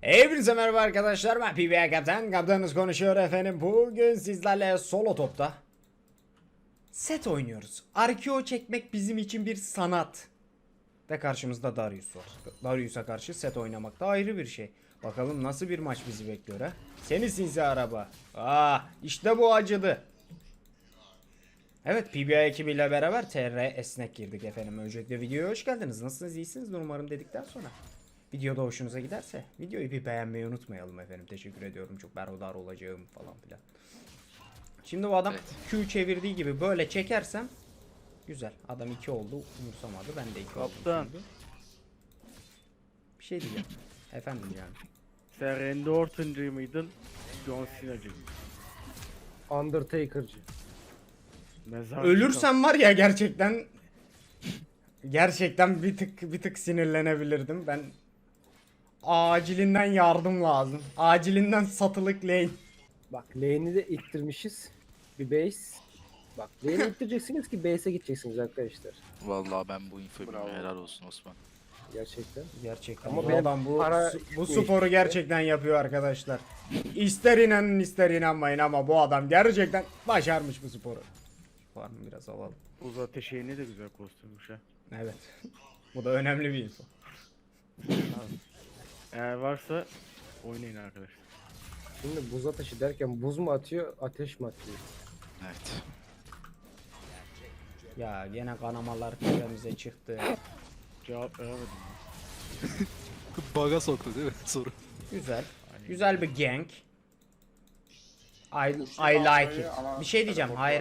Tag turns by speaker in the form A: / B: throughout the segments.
A: Hepinize merhaba arkadaşlar, ben PBA Kaptan. Kaptanınız konuşuyor efendim. Bugün sizlerle solo topta set oynuyoruz. Arkeo çekmek bizim için bir sanat. Ve karşımızda Darius var. Darius'a karşı set oynamak da ayrı bir şey. Bakalım nasıl bir maç bizi bekliyor ha. Seni sinsi araba. İşte bu acıdı. Evet, PBA ekibiyle beraber TR esnek girdik efendim. Öncelikle videoya hoş geldiniz. Nasılsınız, iyisiniz umarım dedikten sonra videoda hoşunuza giderse videoyu bir beğenmeyi unutmayalım efendim. Teşekkür ediyorum, çok berhudar olacağım falan filan. Şimdi bu adam Q çevirdiği gibi böyle çekersem güzel. Adam 2 oldu, umursamadı. Ben de 2 oldum şimdi. Bir şey diyeceğim. Efendim yani.
B: Sen Randy Orton'cı mıydın? John Cena'cı mıydın?
C: Undertaker'cı.
B: Mezar
A: Ölürsem var ya, gerçekten bir tık sinirlenebilirdim. Ben acilinden yardım lazım. Acilinden satılık lane.
C: Bak lane'i de ittirmişiz. Bir base. Bak lane'i ittireceksiniz ki base'e gideceksiniz arkadaşlar.
D: Vallahi ben bu infoyu bilmiyorum. Helal olsun Osman.
C: Gerçekten.
A: Gerçekten.
C: Ama
A: Bu
C: benim
A: adam
C: para
A: bu
C: değişti.
A: sporu gerçekten yapıyor arkadaşlar. İster inanın ister inanmayın ama bu adam gerçekten başarmış bu sporu. Var mı, biraz alalım.
B: Buz ateşi ne de güzel kostümmüş ha.
A: Evet. Bu da önemli bir info.
B: Eğer varsa oynayın arkadaşlar.
C: Şimdi buz ateşi derken buz mu atıyor, ateş mi atıyor?
D: Evet.
A: Ya gene kanamalar tepemize çıktı.
B: Cevap veremedim.
D: Baga soktu değil mi soru?
A: Güzel. Güzel bir gank. I like it. Bir şey diyeceğim. Hayır.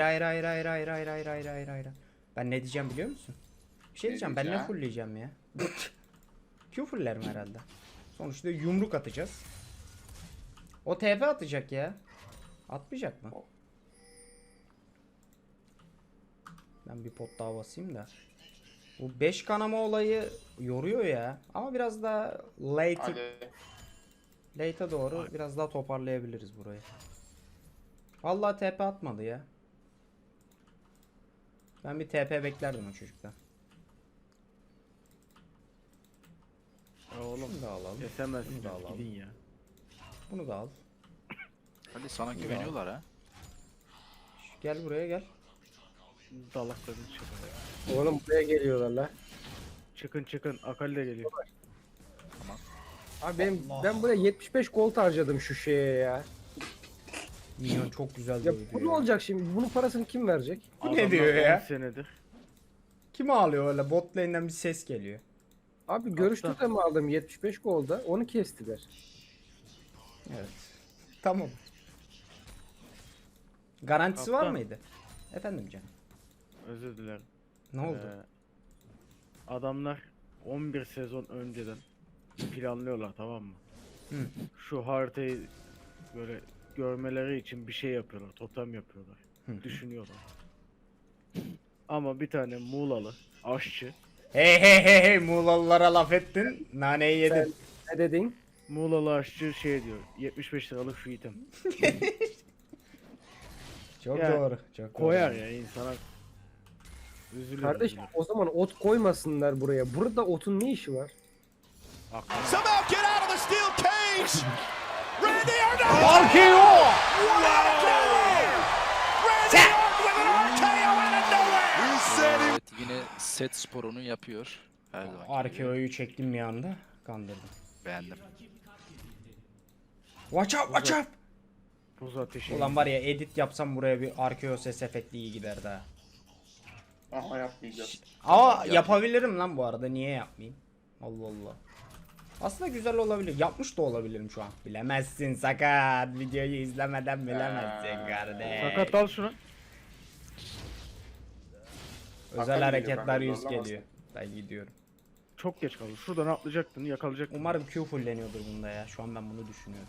A: Ben ne diyeceğim biliyor musun? Bir şey diyeceğim. Ben ne fullleyeceğim ya? Q fulllerim herhalde. Sonuçta yumruk atacağız. O TP atacak ya. Atmayacak mı? Ben bir pot daha basayım da. Bu 5 kanama olayı yoruyor ya. Ama biraz daha late'e doğru biraz daha toparlayabiliriz burayı. Vallahi TP atmadı ya. Ben bir TP beklerdim o çocuktan.
B: Ya oğlum
A: Bunu da alalım.
B: kesemezsin
A: Bunu da alalım.
B: gidin ya.
A: Bunu da al.
D: Hadi sana güveniyorlar ha.
A: Gel buraya gel.
B: Dalaklarını çıkın.
C: Oğlum buraya geliyorlar la.
B: Çıkın Akali de geliyor.
C: Abi ben buraya 75 gold harcadım şu şeye ya.
A: Minyon çok güzel
C: Ya
A: dövdü
C: bu ne
A: ya.
C: olacak şimdi? Bunun parasını kim verecek?
A: Bu ne
B: Adamlar
A: diyor ya?
B: 10 senedir.
A: Kim ağlıyor öyle? Bot lane'den bir ses geliyor.
C: Abi görüştük de mi aldım 75 golda? Onu kestiler.
A: Evet. Tamam. Garantisi var
B: Kaptan.
A: mıydı? Efendim canım.
B: Özür dilerim.
A: Ne oldu?
B: Adamlar 11 sezon önceden planlıyorlar, tamam mı?
A: Hı.
B: Şu haritayı böyle görmeleri için bir şey yapıyorlar, totem yapıyorlar.
A: Hı.
B: Düşünüyorlar. Ama bir tane Muğlalı aşçı,
A: Hey Muğlalılara laf ettin. Naneyi yedin.
C: Ne dedin?
B: Muğlalı aşçı şey diyor, 75 liralık şu item.
A: Çok
B: Ya,
A: doğru. Çok
B: Koyar
A: doğru.
B: ya insana. Üzülürüm.
C: Kardeşim o zaman ot koymasınlar buraya. Burada otun ne işi var?
B: Aklım.
E: Somehow get out of the steel cage! Randy Orton!
A: Arkeo!
E: Randy Orton with an RKO out of nowhere! He said he
D: Evet, yine set sporunu yapıyor. Her zaman.
A: Arkeo'yu çektim bir anda. Kandırdım.
D: Beğendim.
A: Watch out!
B: Buz ateşi.
A: Ulan var ya, edit yapsam buraya bir Arkeo ses efekti iyi giderdi ha.
F: Ama yapmayacağız.
A: Ama yapabilirim lan bu arada, niye yapmayayım? Allah Allah. Aslında güzel olabilir. Yapmış da olabilirim şu an. Bilemezsin sakat. Videoyu izlemeden bilemezsin kardeş.
B: Sakat al şunu.
A: Özel
F: Hakan
A: hareketler
F: geliyor,
A: yüz
F: zorlamaz.
A: geliyor. Ben gidiyorum.
B: Çok geç kaldı. Şuradan atlayacaktın, yakalayacaktın.
A: Umarım Q fulleniyordur bunda ya. Şu an ben bunu düşünüyorum.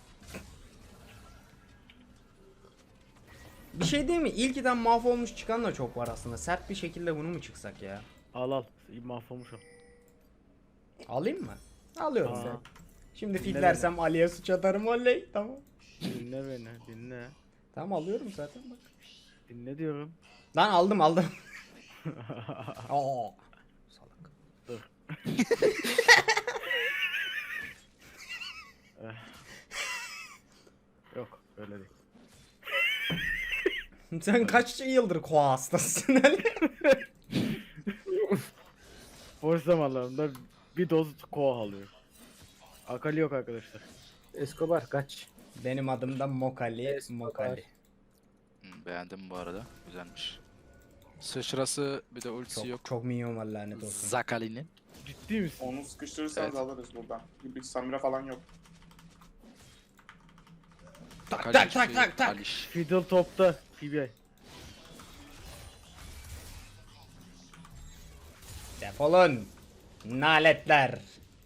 A: Bir şey değil mi? İlkiden mahvolmuş çıkan da çok var aslında. Sert bir şekilde bunu mu çıksak ya?
B: Al. Mahvolmuş o.
A: Alayım mı? Alıyorum
B: Aa.
A: sen. Şimdi
B: Dinle
A: fitlersem Ali'ye suç atarım, oley. Tamam.
B: Dinle beni, dinle.
A: Tamam, alıyorum zaten bak.
B: Dinle diyorum.
A: Lan aldım. Aa. Salak.
B: Dur. Yok öyle değil.
A: Sen kaç yıldır koa hastasın Ali?
B: Boş zamanlarında bir doz koa alıyor. Akali yok arkadaşlar.
C: Escobar kaç.
A: Benim adım da Mokali.
C: Escobar.
A: Mokali.
D: Beğendim bu arada. Güzelmiş. Sıçrası bir de ultisi
A: Çok,
D: yok.
A: çok minyon var lanet olsun.
D: Zakali'nin.
B: Ciddi misin?
F: Onu sıkıştırırsanız
D: Evet.
F: alırız buradan. Bir Samira falan yok.
A: Tak tak tak tak tak.
D: Aliş.
B: Fiddle topta. PBI.
A: Defolun. Naletler.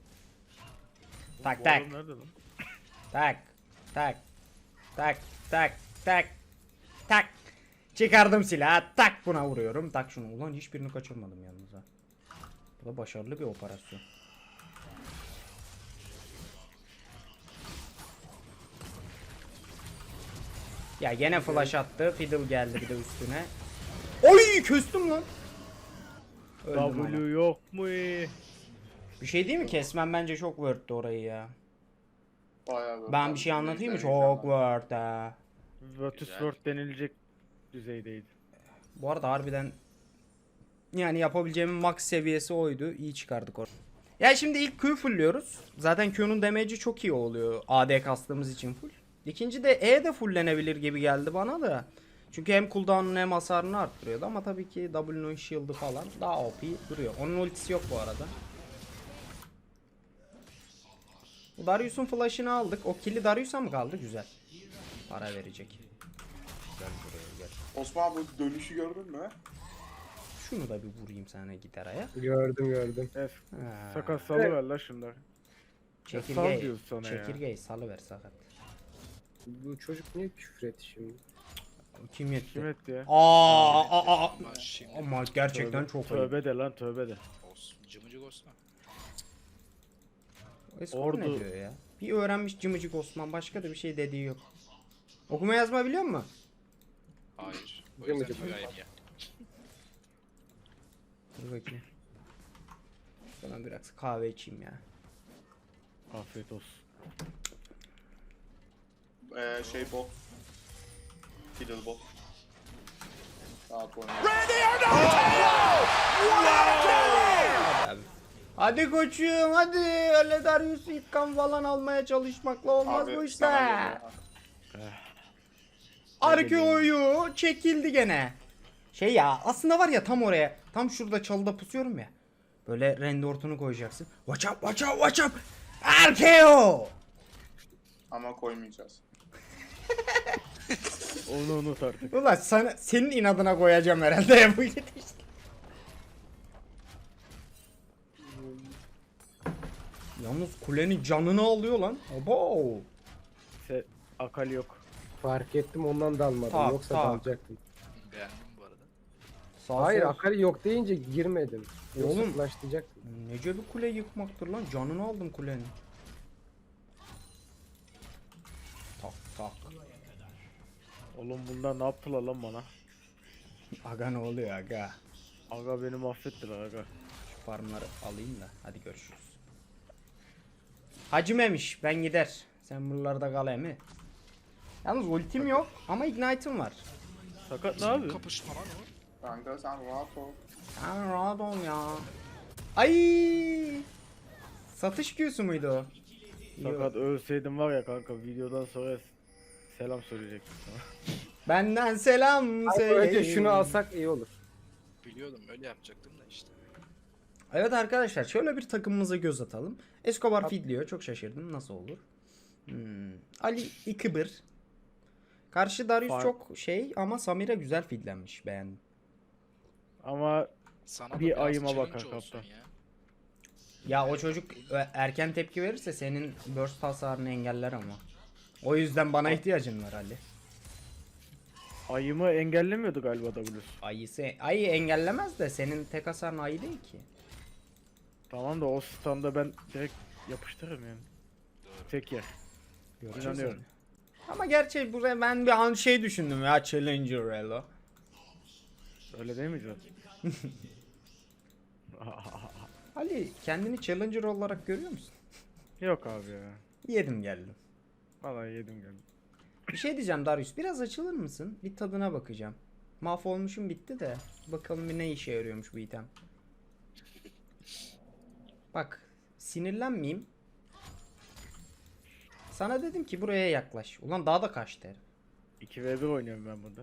A: Tak
B: Bu
A: tak.
B: adam nerede lan?
A: Tak. Tak. Tak. Tak. Tak. Tak. Çıkardım silahı. Tak buna vuruyorum. Tak şunu. Ulan hiçbirini kaçırmadım yalnız ha. Bu da başarılı bir operasyon. Ya gene flash attı. Fiddle geldi bir de üstüne. Oy küstüm lan. Öldüm ama.
B: W yok mu?
A: Bir şey değil mi? Kesmem bence çok worth'ti orayı ya.
F: Bayağı böyle.
A: Ben bir şey anlatayım mı? Çok worth ha.
B: Virtus World denilecek düzeydeydi.
A: Bu arada harbiden yani yapabileceğimin max seviyesi oydu. İyi çıkardık orada. Ya şimdi ilk Q fullliyoruz. Zaten Q'nun damage'i çok iyi oluyor. AD kastığımız için full. İkinci de E de fulllenebilir gibi geldi bana da. Çünkü hem cooldown'unu hem hasarını arttırıyordu ama tabii ki W'nun shield'ı falan daha OP duruyor. Onun ultisi yok bu arada. Darius'un flash'ını aldık. O kill'i Darius'a mı kaldı? Güzel. Para verecek. Gel buraya gel.
F: Osman bu dönüşü gördün mü?
A: Şunu da bir vurayım sana gitaraya.
C: Gördüm.
B: Evet.
A: Ha.
B: Sakat salıver la şunları. Sal
A: Çekirgeyi,
B: diyoruz sana ya.
A: çekirgeyi salıver sakat.
C: Bu çocuk niye küfür etti şimdi?
A: Kim yetti?
B: Kim etti ya?
A: Aa.
D: Ama şimdi
A: Ama gerçekten
B: Tövbe-
A: çok ayıp.
B: Tövbe de lan tövbe de.
D: olsun. Cımıcık olsun.
A: Eskor ne
B: Ordu-
A: diyor ya? Bir öğrenmiş cımıcık Osman, başka da bir şey dediği yok. Okuma yazma biliyor musun?
D: Hayır. O
C: Cımıcık.
D: yüzden güveyim ya.
A: Dur bakayım. Ben biraz kahve içeyim ya.
B: Afiyet olsun.
F: Şey bot. Fiddle bot. Rahat oynuyor.
A: Hadi koçum hadi, öyle Darius'u itkan falan almaya çalışmakla olmaz
F: Abi,
A: bu
F: sana
A: işler.
F: geliyor.
A: Arkeo'yu çekildi gene. Şey ya, aslında var ya, tam oraya, tam şurada çalıda pusuyorum ya. Böyle rendortunu koyacaksın. Watch up, watch up, watch up. Arkeo.
F: Ama koymayacağız.
B: Onu unut artık.
A: Ulan senin inadına koyacağım herhalde ya bu gidişle. Yalnız kulenin canını alıyor lan. Abo.
B: Akali yok.
C: Fark ettim ondan dalmadım.
A: Tak,
C: Yoksa
A: tak.
C: dalacaktım.
D: Beğendim bu arada.
A: Sağ
C: Hayır
A: sol.
C: Akali yok deyince girmedim. Yoksa
A: Oğlum.
C: flashlayacaktım.
A: Nece bir kule yıkmaktır lan. Canını aldım kulenin. Tak tak.
B: Oğlum bunlar ne yaptılar lan bana?
A: Aga ne oluyor aga?
B: Aga beni mahvettiler aga.
A: Şu farmları alayım da hadi görüşürüz. Hacı Memiş, ben gider. Sen buralarda kal emi. Yalnız ultim yok ama ignite'ım var.
B: Sakat ne yapıyor?
D: Kapışma lan o.
F: Kanka sen rahat ol.
A: Sen rahat ol ya. Ay! Satış Q'su muydu o?
B: Sakat ölseydim var ya kanka videodan sonra selam söyleyecektim sana.
A: Benden selam
C: Ay,
A: söyle.
C: önce şunu alsak iyi olur.
D: Biliyordum öyle yapacaktım da işte.
A: Evet arkadaşlar, şöyle bir takımımıza göz atalım. Escobar feedliyor. Çok şaşırdım. Nasıl olur? Ali Ikıbır. Karşı Darius
B: Fark-
A: çok şey ama Samira güzel feedlenmiş. Beğendim.
B: Ama
D: Sana da
B: Bir
D: biraz
B: ayıma
D: challenge
B: bakar
D: olsun
B: kaptan.
D: ya.
A: Ya o çocuk erken tepki verirse senin burst hasarını engeller ama. O yüzden bana ihtiyacın var Ali.
B: ayımı engellemiyordu galiba W.
A: Ayı engellemez de senin tek hasarın ayı değil ki.
B: Tamam da o standa ben direkt yapıştırırım yani. Tek yer.
A: Göreceğiz
B: İnanıyorum.
A: onu. Ama gerçi buraya ben bir an şey düşündüm ya, Challenger Elo.
B: Öyle değil mi zaten?
A: Ali kendini Challenger olarak görüyor musun?
B: Yok abi ya.
A: Yedim geldim.
B: Vallahi yedim geldim.
A: Bir şey diyeceğim Darius. Biraz açılır mısın? Bir tadına bakacağım. Mahvolmuşum bitti de. Bakalım bir ne işe yarıyormuş bu item. Bak. Sinirlenmeyeyim. Sana dedim ki buraya yaklaş. Ulan daha da kaçtı herif.
B: 2v1 oynuyorum ben burada.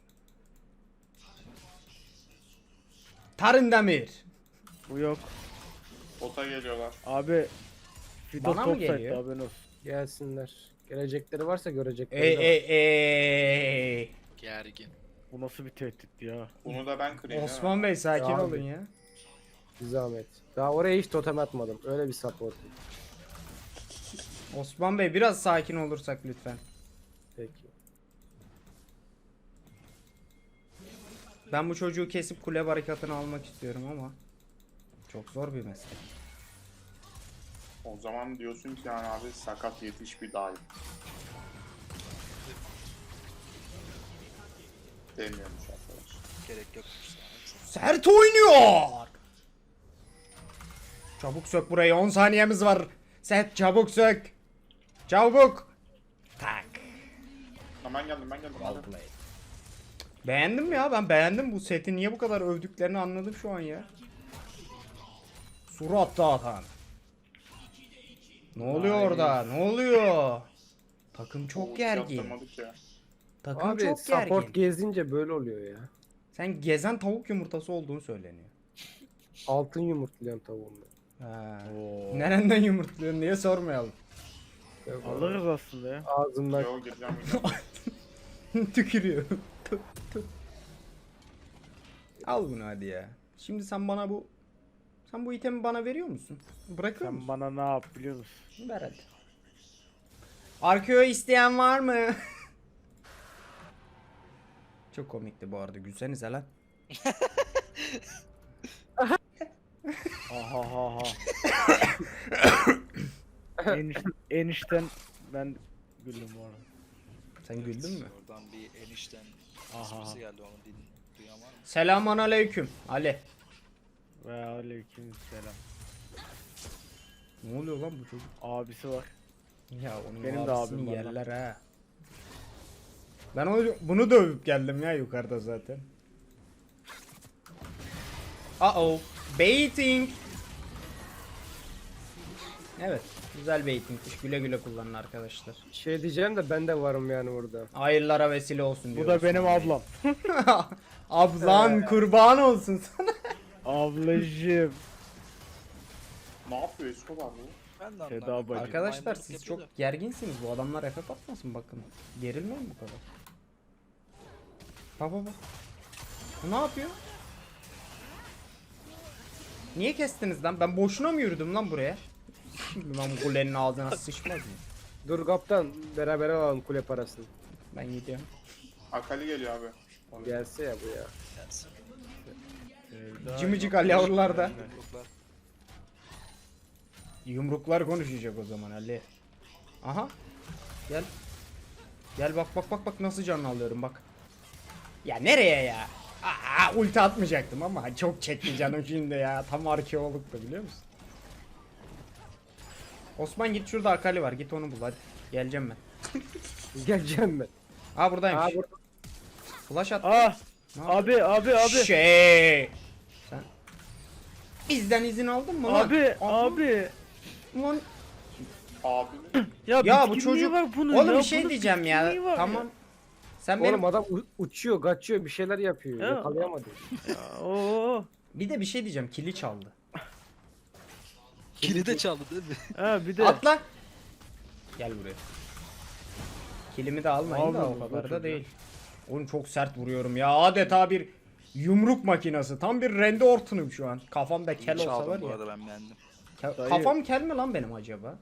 A: Tarındemir.
B: Bu yok.
F: Bota geliyorlar.
B: Abi Fido
A: Bana mı
B: top site'de
A: geliyor?
B: haberin olsun.
C: Gelsinler. Gelecekleri varsa görecekleri
A: Ey
C: de var.
A: ey ey.
D: Gergin.
B: Bu nasıl bir tehditti ya?
F: Bunu da ben kırayım değil mi?
A: Osman Bey sakin
C: Ya abi.
A: olun ya.
C: Bir zahmet. Daha oraya hiç totem atmadım. Öyle bir support.
A: Osman Bey biraz sakin olursak lütfen.
C: Peki.
A: Ben bu çocuğu kesip kule barikatını almak istiyorum ama çok zor bir meslek.
F: O zaman diyorsun ki yani abi sakat yetiş bir daim. Demiyormuş arkadaş.
D: Gerek yok.
A: Sert oynuyor. Çabuk sök burayı, 10 saniyemiz var. Set çabuk sök. Çabuk. Tak.
F: Hemen geldim ben geldim.
A: Well
F: hadi.
A: played. Beğendim ya, ben beğendim bu seti. Niye bu kadar övdüklerini anladım şu an ya. Surat dağıtan. Ne oluyor
B: Nice.
A: orada? Ne oluyor? Takım
F: Oo,
A: çok gergin.
F: yaptırmadık ya.
A: Takım
C: Abi
A: çok
C: support
A: gergin.
C: gezince böyle oluyor ya.
A: Sen gezen tavuk yumurtası olduğunu söyleniyor.
C: Altın yumurtlayan tavuğum ben.
A: Ha.
B: Oo.
A: Nereden yumurtluyorsun diye sormayalım.
C: Yok,
B: Alırız aslında ya.
C: ağzımdan
F: Yo gireceğim gireceğim.
A: Tükürüyor. Tüh, tüh. Al bunu hadi ya. Şimdi sen bu itemi bana veriyor musun? Bırakır
B: Sen
A: mısın?
B: bana ne yap biliyor musun?
A: Ver hadi. Arkeo isteyen var mı? Çok komikti bu arada. Gülsenize lan.
B: Aha ha ha. Enişten ben güldüm bu arada.
A: Sen güldün mü?
D: Oradan bir enişten
B: Aha.
D: sesi geldi, onu duyan var mı?
A: Selamun aleyküm. Ali.
B: Ve aleyküm selam.
A: Ne oluyor lan bu çocuk?
B: Abisi var.
A: Ya onun
B: Benim de
A: abisini
B: abim var lan.
A: yerler ha. Ben bunu dövüp geldim ya yukarıda zaten. Uh-oh. Baiting. Evet. Güzel baitingmiş. Güle güle kullanın arkadaşlar.
C: şey diyeceğim de ben de varım yani burada.
A: Hayırlara vesile olsun
B: Bu
A: diyoruz.
B: da benim ablam.
A: Ablan kurban olsun sana.
B: Ablacığım.
F: Ne yapıyor Escobar bu?
D: Ben de
B: Seda
D: anlamadım.
B: bacı.
A: Arkadaşlar
D: Maymunluk
A: siz
D: yapıyor
A: çok gerginsiniz. Bu adamlar FF atmasın bakın. Gerilmeyin bu kadar. Bak bak bak. Bu ne yapıyor? Niye kestiniz lan? Ben boşuna mı yürüdüm lan buraya? Lan bu kulenin ağzına sıçmaz mı?
C: Dur kaptan beraber alalım kule parasını.
A: Ben gidiyorum.
F: Akali geliyor abi. Onu-
C: Gelse ya bu ya.
D: Gelsin.
B: Sevda.
A: Cimicik Ali yavrular da.
D: Yumruklar.
A: Yumruklar konuşacak o zaman Ali. Aha. Gel. Gel bak bak bak bak nasıl canını alıyorum bak. Ya nereye ya? Aa, ulti atmayacaktım ama çok çekti canım şimdi ya. Tam arkeologtu biliyor musun? Osman git şurada Akali var. Git onu bul hadi. Geleceğim ben.
C: Geleceğim ben.
A: Aa buradaymış.
C: Aa, burada.
A: Flash attı.
B: Ah!
A: Ne yapıyor?
B: Abi.
A: Şey. Sen bizden izin aldın mı lan?
B: Abi,
A: Aha,
B: abi.
A: Lan.
F: Abinin
B: Ya,
A: Ya bu
B: bitkinliği
A: çocuk.
B: var bunun
A: Oğlum
B: ya,
A: bir şey
B: bunun
A: diyeceğim ya.
B: bitkinliği var
A: Tamam. Sen benim
C: Oğlum adam uçuyor, kaçıyor, bir şeyler yapıyor.
B: Ya.
C: Yakalayamadı.
B: Ya, oo.
A: bir de bir şey diyeceğim. Kili çaldı.
D: Kili de çaldı değil mi?
B: Ha bir de.
A: Atla. Gel buraya. Kilimi de almayın da
B: Abi,
A: o kadar da
B: çocuğa.
A: değil. Oğlum çok sert vuruyorum ya. Adeta bir yumruk makinası. Tam bir Randy Orton'um şu an. Kafamda kel olsa
D: Çaldım
A: var
D: bu
A: ya.
D: arada, ben beğendim.
B: Dayı.
A: Kafam kel mi lan benim acaba?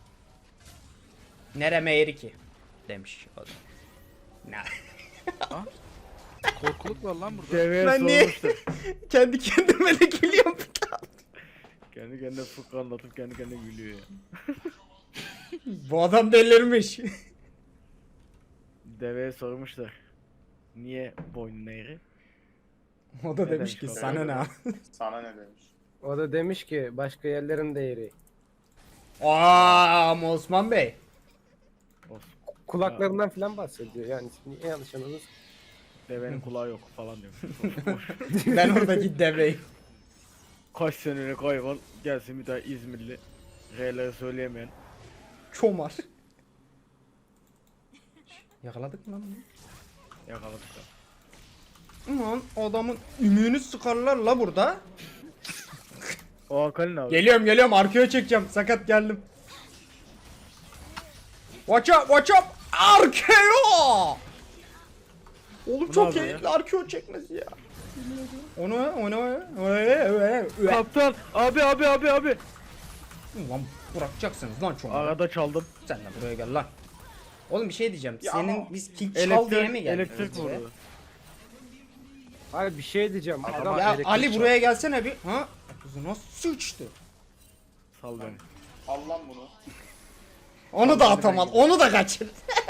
A: Nereme eri ki? Demiş o da. Ne?
D: Korkuluk var lan burada.
B: Deveye
A: Ben niye-
B: sormuşlar.
A: Kendi kendime de gülüyorum.
B: Kendi kendine fıkra anlatıp kendi kendine gülüyor ya.
A: Bu adam delirmiş.
B: Deveye sormuşlar. Niye boynun eğri?
A: O da
B: Ne
A: demiş ki
B: demiş o?
A: sana ne?
F: sana ne demiş?
C: O da demiş ki başka yerlerin değeri.
A: Ama Osman Bey.
B: Olsun.
C: Kulaklarından falan bahsediyor. Yani şimdi yanlış anladınız.
B: Devenin kulağı yok falan diyor.
A: Ben oradaki deveyim.
B: Kaç senelik hayvan gelsin bir daha İzmirli. R'leri söyleyemeyen.
A: Çomar. Yakaladık mı lan bunu?
B: Yakaladık da.
A: Ulan adamın ümüğünü sıkarlar la burada.
B: O Hakan'ın abi.
A: Geliyorum arkaya çekeceğim. Sakat geldim. Watch up. Arkeo. Oğlum
B: Bu
A: çok
B: ne abi
A: keyifli arkeo çekmesi ya. Onu.
B: Kaptan abi.
A: Ulan bırakacaksınız lan çomağı.
B: Arada çaldım.
A: Sen de buraya gel lan. Oğlum bir şey diyeceğim.
F: Ya
A: Senin
F: ama-
A: biz kill çal diye mi geldik?
B: Elektrik
A: buraya?
B: vurdu.
C: Hayır bir şey diyeceğim. Adam
A: Ya
C: elektrik
A: Ali
C: çarptı.
A: buraya gelsene bir. Ha? Kızına sıçtı.
B: Sal beni.
F: Al lan bunu.
A: Onu da atamadı. Onu da kaçırdı.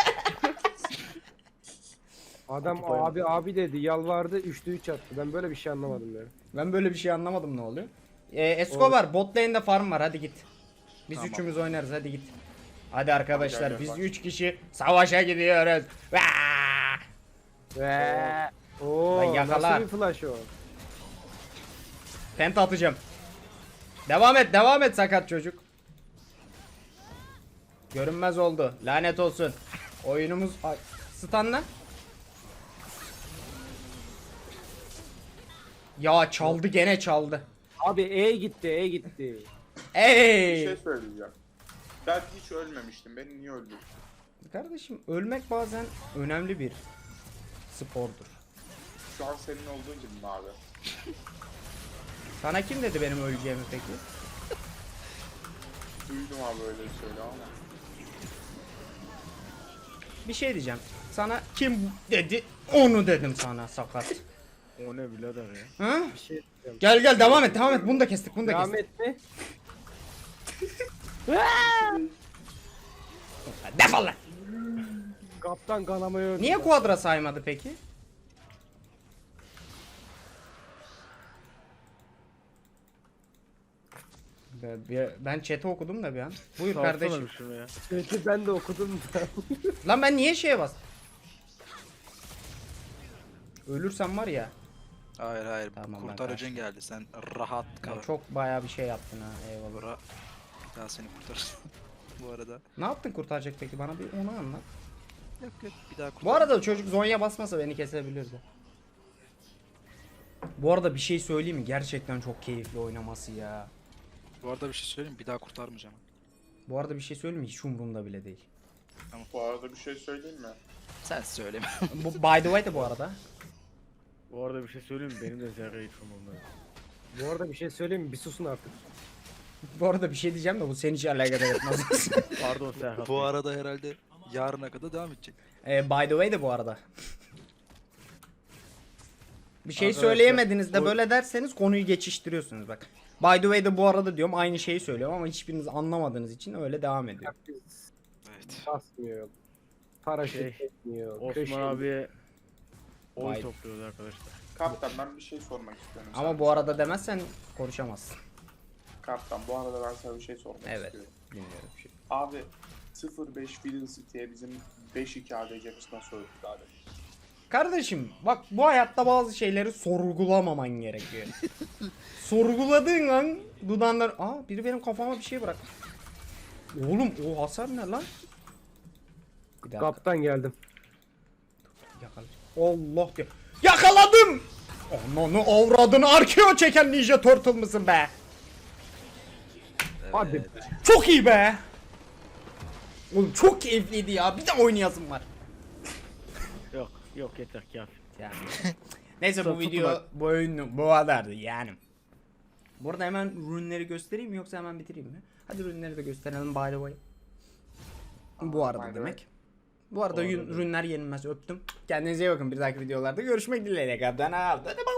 C: Adam abi dedi yalvardı 3'te 3 attı. Ben böyle bir şey anlamadım ya.
A: Ben böyle bir şey anlamadım ne oluyor. Escobar bot lane'de farm var hadi git. Biz
D: Tamam.
A: üçümüz oynarız hadi git. Hadi arkadaşlar
F: Gel,
A: biz
F: bak.
A: 3 kişi savaşa gidiyoruz. Vaa!
C: Ve o
A: Lan yakala.
C: nasıl bir flash o?
A: Penta atacağım. Devam et sakat çocuk. Görünmez oldu. Lanet olsun. Oyunumuz ay, stunla. Ya çaldı gene çaldı.
C: Abi E gitti.
F: Bir
A: Ey!
F: şey söyleyeceğim. Ben hiç ölmemiştim. Beni niye öldürdün?
A: Kardeşim ölmek bazen önemli bir spordur.
F: Şu an senin olduğun gibi mi abi?
A: Sana kim dedi benim öleceğimi peki?
F: Duydum abi öyle bir söyle ama.
A: Bir şey diyeceğim. Sana kim dedi? Onu dedim sana sakat.
B: O ne birader ya.
A: Ha?
C: Bir şey diyeceğim.
A: Gel devam et. Bunu da kestik.
C: Devam etti.
A: Defol lan.
C: Kaptan kanamayı öldü.
A: Niye quadra saymadı peki? Ben chat'i okudum da bir an. Buyur
B: Salsana
A: kardeşim.
B: bir şunu ya.
C: Çünkü ben de okudum da.
A: Lan ben niye şeye bastım? Ölürsem var ya.
D: Hayır.
A: Tamam, ben
D: Kurtarıcın geldi. Sen rahat kal.
A: Ya çok bayağı bir şey yaptın ha. Eyvallah.
D: Bura. Bir daha seni kurtarır. Bu arada.
A: Ne yaptın kurtaracak peki? Bana bir onu anlat.
D: Yok. Bir daha kurtar.
A: Bu arada çocuk Zonya basmasa beni kesebilirdi. Bu arada bir şey söyleyeyim mi? Gerçekten çok keyifli oynaması ya.
D: Bu arada bir şey söyleyeyim. Bir daha kurtarmayacağım.
A: Bu arada bir şey söyleyeyim mi? Hiç umurumda bile değil.
F: Bu arada bir şey söyleyeyim mi?
D: Sen söyleme.
A: Bu by the way de bu arada.
B: Bu arada bir şey söyleyeyim mi? Benim de zerre hiç umurumda yok.
C: Bu arada bir şey söyleyeyim mi? Bir susun artık.
A: Bu arada bir şey diyeceğim de bu seni hiç alakadar etmez.
B: Pardon Serhat.
D: Bu
B: Bey.
D: arada herhalde yarına kadar devam edecek.
A: By the way de bu arada. Bir şey
B: Arkadaşlar,
A: söyleyemediniz de
B: bu-
A: böyle derseniz konuyu geçiştiriyorsunuz bak. By the way de bu arada diyorum aynı şeyi söylüyorum ama hiçbiriniz anlamadığınız için öyle devam ediyor.
C: Biz
D: Evet.
C: basmıyor. Paraşüt
B: Şey,
C: etmiyor.
B: Osman abiye oy
A: Vay.
B: topluyoruz arkadaşlar.
F: Kaptan ben bir şey sormak istiyorum.
A: Ama
F: sana.
A: bu arada demezsen konuşamazsın.
F: Kaptan bu arada ben sana bir şey sormak
A: Evet.
F: istiyorum.
A: Bilmiyorum bir şey.
F: Abi 0-5 Fiddle City'ye bizim 5-2 ADC'miz nasıl öldü abi?
A: Kardeşim bak bu hayatta bazı şeyleri sorgulamaman gerekiyor. Sorguladığın an dudağından... Aa biri benim kafama bir şey bırak. Oğlum o hasar ne lan? Bir dakika.
C: Kaptan geldim.
A: Yakalayacağım. Allah diyor. Yakaladım! Ananı avradını arkeo çeken Ninja Turtle mısın be?
C: Hadi be.
A: Çok iyi be! Oğlum çok keyifliydi ya. Bir de oynayasım var.
B: Yok yeter kafi.
A: Yani. Neyse bu
B: Tutma.
A: video bu oyun bu kadardı yani. Burada hemen ürünleri göstereyim mi yoksa hemen bitireyim mi? Hadi ürünleri de gösterelim by the way. Bu arada
F: by the
A: demek. Bu arada
B: Bu arada.
A: ürünler yenilmez öptüm. Kendinize iyi bakın bir dahaki videolarda görüşmek dileğiyle. Kaptan aldı. Hadi bye.